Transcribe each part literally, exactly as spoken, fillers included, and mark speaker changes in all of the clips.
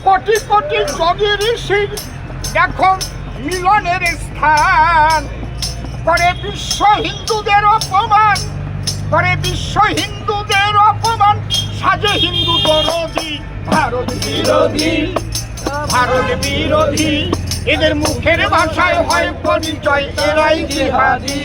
Speaker 1: কোটি কোটি যোগী ঋষির দেখো মিলনের স্থান, করে বিশ্ব হিন্দুদের অপমান, করে বিশ্ব হিন্দুদের অপমান, সাজে হিন্দু দরদি ভারত বিরোধী, ভারত বিরোধী। এদের মুখের ভাষায় হয় পরিচয় এরাই জিহাদি।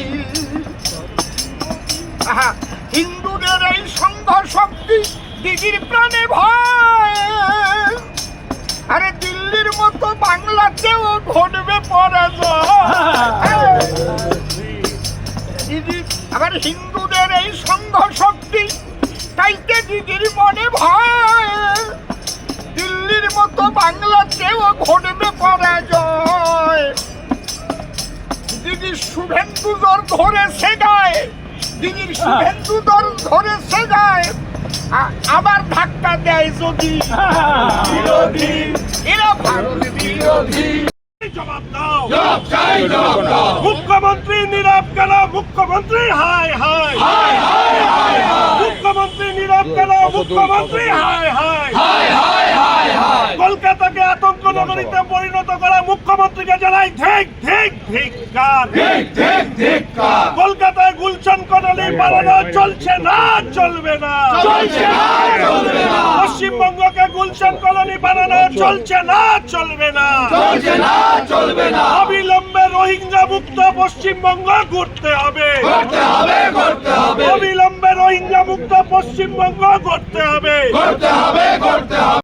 Speaker 1: আহা, হিন্দুদের এই সংঘ শক্তি দিদির প্রাণে ভয়, আরে দিল্লির মতো বাংলাতেও ঘটবে পরাজয়। দিদি আবার হিন্দুদের এই সংঘ শক্তি তাইতে দিদির মনে ভয়, দিল্লির মতো বাংলাতেও ঘটবে পরাজয়। দিদির শুভেন্দু দর ধরেছে গায়ে, দিদির শুভেন্দু দর ধরেছে গায়ে, আবার ধাক্কা দেয় যদি বিরোধী, এরা ভারত বিরোধী। জবাব দাও, জবাব চাই, জবাব দাও। মুখ্যমন্ত্রী নীরব কেন? মুখ্যমন্ত্রী হায় হায় হায় হায় হায় হায়। মুখ্যমন্ত্রী নীরব কেন? মুখ্যমন্ত্রী হায় হায় হায় হায় হায় হায়। কলকাতাকে আতঙ্ক নগরীতে পরিণত করা মুখ্যমন্ত্রীকে জানাই ধিক ধিক ধিক্কার, ধিক ধিক ধিক্কার। কলকাতায় গুলশান কলোনি বানানো চলছে না, চলবে না, চলছে না, চলবে না। পশ্চিমবঙ্গকে গুলশান কলোনি বানানো চলছে না, চলবে না, চলছে না, চলবে না। অবিলম্বে রোহিঙ্গা মুক্ত পশ্চিমবঙ্গ গড়তে হবে, গড়তে হবে, গড়তে হবে। অবিলম্বে রোহিঙ্গা মুক্ত পশ্চিমবঙ্গ গড়তে হবে, গড়তে হবে, গড়তে হবে।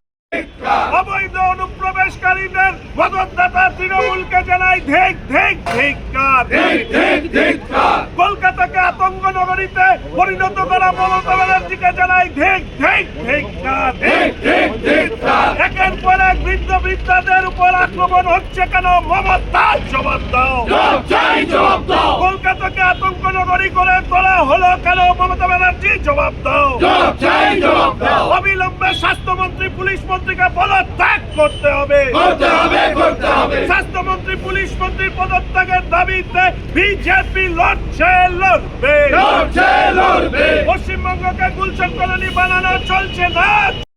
Speaker 1: অবৈধ অনুপ্রবেশকারীদের মদতদাতা তৃণমূলকে জানাই ধিক ধিক ধিক্কার, ধিক ধিক ধিক্কার। কলকাতাকে আতঙ্ক নগরীতে পরিণত করা মমতা ব্যানার্জিকে জানাই ধিক ধিক ধিক্কার, ধিক ধিক ধিক্কার। একের পর এক বৃদ্ধ বৃদ্ধাদের উপর আক্রমণ হচ্ছে কেন? মমতা জবাব দাও, জবাব চাই, জবাব দাও। কলকাতাকে আতঙ্ক নগরী করে তোলা হলো কেন? মমতা ব্যানার্জি জবাব দাও, জবাব চাই, জবাব দাও। অবিলম্বে স্বাস্থ্যমন্ত্রী পুলিশ মন্ত্রীকে পদত্যাগ করতে হবে, করতে হবে, করতে হবে। স্বাস্থ্যমন্ত্রী পুলিশ মন্ত্রীর পদত্যাগের দাবিতে বিজেপি লড়ছে, লড়বে, লড়ছে, লড়বে। পশ্চিমবঙ্গকে গুলশান কলোনি বানানো চলছে না,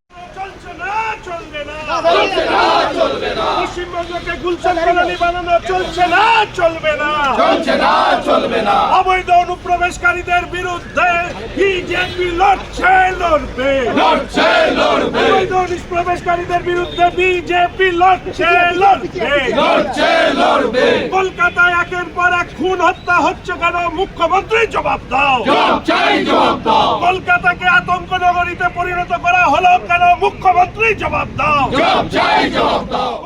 Speaker 1: চলছে না, চলবে না, চলছে না, চলবে না। পশ্চিমবঙ্গকে গুলশান কলোনি বানানো চলছে না, চলবে না, চলছে না, চলবে না। অবৈধ অনুপ্রবেশকারীদের বিরুদ্ধে বিজেপি লড়ছে, লড়বে, লড়ছে, লড়বে। অবৈধ অনুপ্রবেশকারীদের বিরুদ্ধে বিজেপি লড়ছে, লড়বে, লড়ছে, লড়বে। কলকাতায় একের পর এক খুন হত্যা হচ্ছে কেন? মুখ্যমন্ত্রী জবাব দাও, জবাব চাই, জবাব দাও। কলকাতাকে আতঙ্ক নগরীতে পরিণত করা হলো কেন? মুখ্যমন্ত্রী জবাব দাও, জবাব চাই, জবাব দাও।